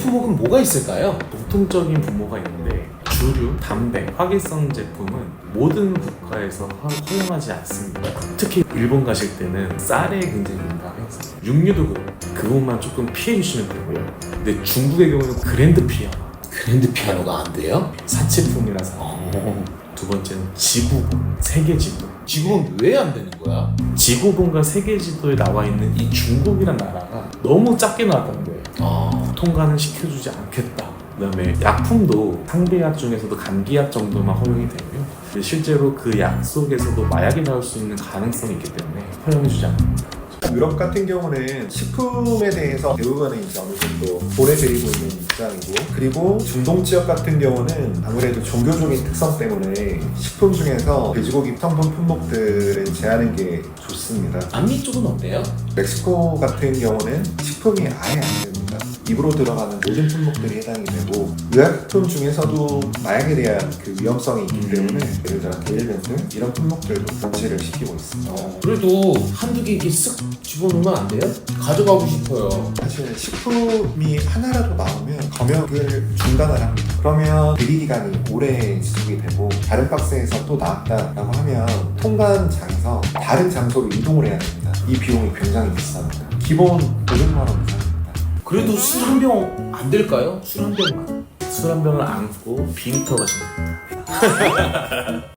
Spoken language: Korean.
품목은 뭐가 있을까요? 공통적인 분모가 있는데 주류, 담배, 화기성 제품은 모든 국가에서 허용하지 않습니다. 특히 일본 가실 때는 쌀에 굉장히 민감해서 육류도 그것만 조금 피해 주시면 되고요. 근데 중국의 경우는 그랜드 피아노. 그랜드 피아노가 안 돼요? 사치품이라서. 두 번째는 지구본, 세계지도. 지금은 왜 안 되는 거야? 지구본과 세계지도에 나와 있는 이 중국이란 나라가 너무 작게 나왔다는 거예요. 통과는 시켜주지 않겠다. 그다음에 약품도 상비약 중에서도 감기약 정도만 허용이 되고요. 실제로 그 약 속에서도 마약이 나올 수 있는 가능성이 있기 때문에 허용해주지 않습니다. 유럽 같은 경우는 식품에 대해서 대부분은 이제 어느 정도 보내드리고 있는 입장이고, 그리고 중동 지역 같은 경우는 아무래도 종교적인 특성 때문에 식품 중에서 돼지고기 성분 품목들은 제한하는 게 좋습니다. 남미 쪽은 어때요? 멕시코 같은 경우는 식품이 아예 안 됩니다. 입으로 들어가는 모든 품목들이 해당이 되고, 의약품 중에서도 마약에 대한 그 위험성이 있기 때문에 예를 들어 게일밴드 이런 품목들도 금지를 시키고 있습니다. 그래도 한두 개 이렇게 쓱 집어넣으면 안 돼요? 가져가고 싶어요. 사실 식품이 하나라도 나오면 검역을 중단을 합니다. 그러면 대기 기간이 오래 지속이 되고 다른 박스에서 또 나왔다라고 하면 통관장에서 다른 장소로 이동을 해야 됩니다. 이 비용이 굉장히 비쌉니다. 기본 500만 원 이상입니다. 그래도 술 한 병 안 될까요? 술 한 병만. 술 한 병을 안고 비리터 가시면 됩니다.